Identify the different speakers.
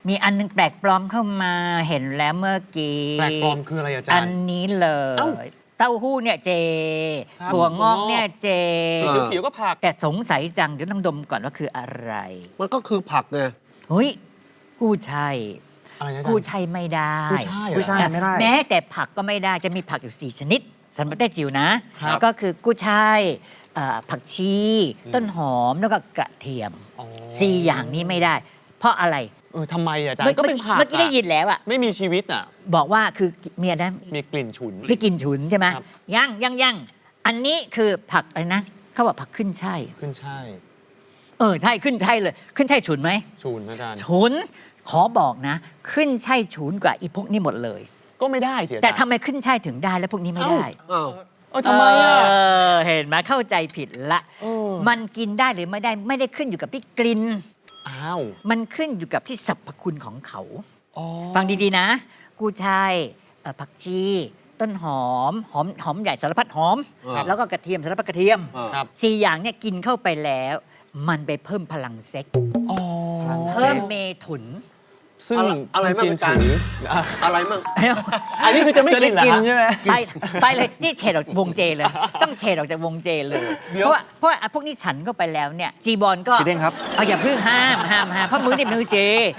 Speaker 1: มีอันนึงแปลกปลอมเข้ามาเห็นแล้วเมื่อกี้
Speaker 2: แปลกปลอมคืออะไรอาจารย์
Speaker 1: อันนี้เลย
Speaker 2: เอ้า
Speaker 1: เต้าหู้เนี่ยเจ
Speaker 2: ครับ
Speaker 1: ถั่วงอกเนี่ยเจ
Speaker 2: สีเขียวๆก็ผัก
Speaker 1: แต่สงสัยจังเดี๋ยวต้องดมก่อนว่าคืออะไร
Speaker 3: มันก็คือผักไง
Speaker 1: เฮ้ยกู้ชัย
Speaker 2: อะไรนะอาจาร
Speaker 1: กู้
Speaker 2: ย์
Speaker 1: ชัยไม่ได้
Speaker 2: กุ้ยช่ายเหรอ
Speaker 4: กุ้ยช่าย ไม่ได้
Speaker 1: แม้แต่ผักก็ไม่ได้จะมีผักอยู่ 4 ชนิดสำหรับได้จิ๋วนะ
Speaker 2: ครับ
Speaker 1: ก็คือกู้ชัยผักชี ต้นหอมแล้วก็กระเทียม
Speaker 2: อ๋อ
Speaker 1: 4 อย่างนี้ไม่ได้ เพราะอะไร
Speaker 2: ทำไมอาจารย์ก็เป็นผัก
Speaker 1: เมื่อกี้ได้ยินแล้วอะ
Speaker 2: ไม่มีชีวิตอ่ะ
Speaker 1: บอกว่าคือเมียนั้น
Speaker 2: มีกลิ่นฉุน
Speaker 1: ไม่กินฉุนใช่ไหม
Speaker 2: ครับ
Speaker 1: ยังอันนี้คือผักอะไรนะเขาบอกผักขึ้นช่าย
Speaker 2: ขึ้นใช่าย
Speaker 1: ใช่ขึ้นช่ายเลยขึ้นช่ายฉุนไหม
Speaker 2: ฉุนอาจารย์
Speaker 1: ฉุนขอบอกนะ ขึ้นช่ายฉุนกว่าอีพวกนี้หมดเลย
Speaker 2: ก็ไม่ได้เสีย
Speaker 1: แต่ทำไมขึ้นช่ายถึงได้แล้วพวกนี้ไม่ได้
Speaker 3: อ้าว
Speaker 2: ทำไมอ่ะ
Speaker 1: เห็นไหมเข้าใจผิดละ
Speaker 2: เออ
Speaker 1: มันกินได้หรือไม่ได้ขึ้นอยู่กับที่กลิ่น
Speaker 2: อ้าว
Speaker 1: มันขึ้นอยู่กับที่สรรพคุณของเขา
Speaker 2: อ๋อ
Speaker 1: ฟังดีๆนะ กูช่ายผักชี ต้นหอมใหญ่สารพัดหอม แล้วก็กระเทียมสารพัดกระเทียม
Speaker 2: ครับ
Speaker 1: 4 อย่างเนี่ยกินเข้าไปแล้ว มันไปเพิ่มพลังเซ็กส์
Speaker 2: อ๋อ
Speaker 1: เพิ่มเมถุน
Speaker 2: ซึ่ง
Speaker 3: อะไรมั่ง
Speaker 2: จีน
Speaker 3: อาจารย์
Speaker 2: ถืออ่ะ
Speaker 3: อะไรมั่ง
Speaker 2: อันนี้คือจะไม่กินเหรอ
Speaker 4: จะได้กิน
Speaker 2: ฮะ
Speaker 4: ใช่ไหม
Speaker 1: ไปเลยนี่เฉดออกจากวงเจเลย ต้องเฉดออกจากวงเจเลย
Speaker 3: เดี๋ยว
Speaker 1: เพราะว่าพวกนี้ฉันเข้าไปแล้วเนี่ยจีบอลก็
Speaker 4: พี่เด้งครับ
Speaker 1: เอาอย่าเพิ่งห้ามเพราะมือนี่มือเจ